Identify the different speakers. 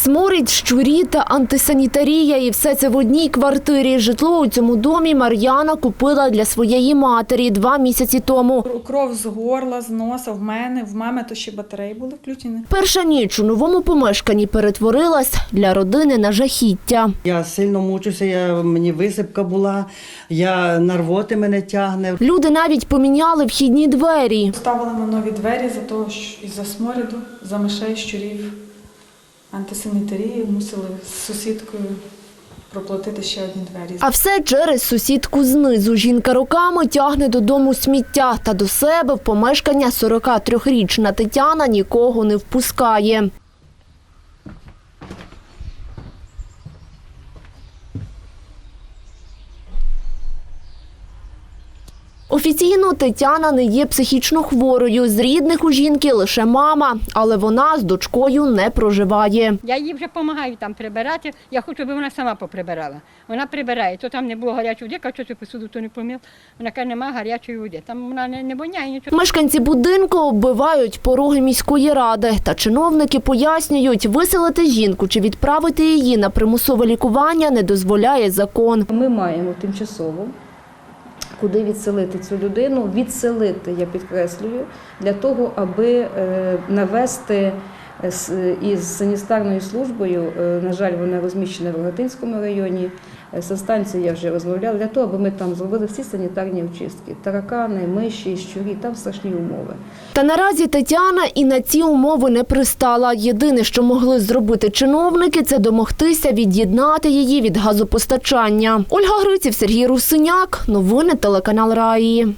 Speaker 1: Сморід, щурі та антисанітарія. І все це в одній квартирі. Житло у цьому домі Мар'яна купила для своєї матері 2 місяці тому.
Speaker 2: Кров з горла, з носа, в мами то ще батареї були включені.
Speaker 1: Перша ніч у новому помешканні перетворилась для родини на жахіття.
Speaker 3: Я сильно мучуся, мені висипка була, на рвоти мене тягне.
Speaker 1: Люди навіть поміняли вхідні двері.
Speaker 2: Ставили ми нові двері за того, що із-за сморіду, за мишей, щурів, антисанітарії мусили з сусідкою проплатити ще одні двері.
Speaker 1: А все через сусідку знизу. Жінка роками тягне додому сміття. Та до себе в помешкання 43-річна Тетяна нікого не впускає. Офіційно Тетяна не є психічно хворою. З рідних у жінки лише мама, але вона з дочкою не проживає.
Speaker 4: Я їй вже допомагаю там прибирати. Я хочу, щоб вона сама поприбирала. Вона прибирає. То там не було гарячої води, кажу, що посуду то не помив. Вона каже, немає гарячої води. Там вона не воняє нічого.
Speaker 1: Мешканці будинку оббивають пороги міської ради. Та чиновники пояснюють, виселити жінку чи відправити її на примусове лікування не дозволяє закон.
Speaker 5: Ми маємо тимчасово куди відселити цю людину, відселити, я підкреслюю, для того, аби навести із санітарною службою, на жаль, вона розміщена в Рогатинському районі, санстанцію я вже розмовляла, для того, аби ми там зробили всі санітарні очистки. Таракани, миші, щурі, там страшні умови.
Speaker 1: Та наразі Тетяна і на ці умови не пристала. Єдине, що могли зробити чиновники, це домогтися від'єднати її від газопостачання. Ольга Гриців, Сергій Русиняк. Новини телеканал Раї.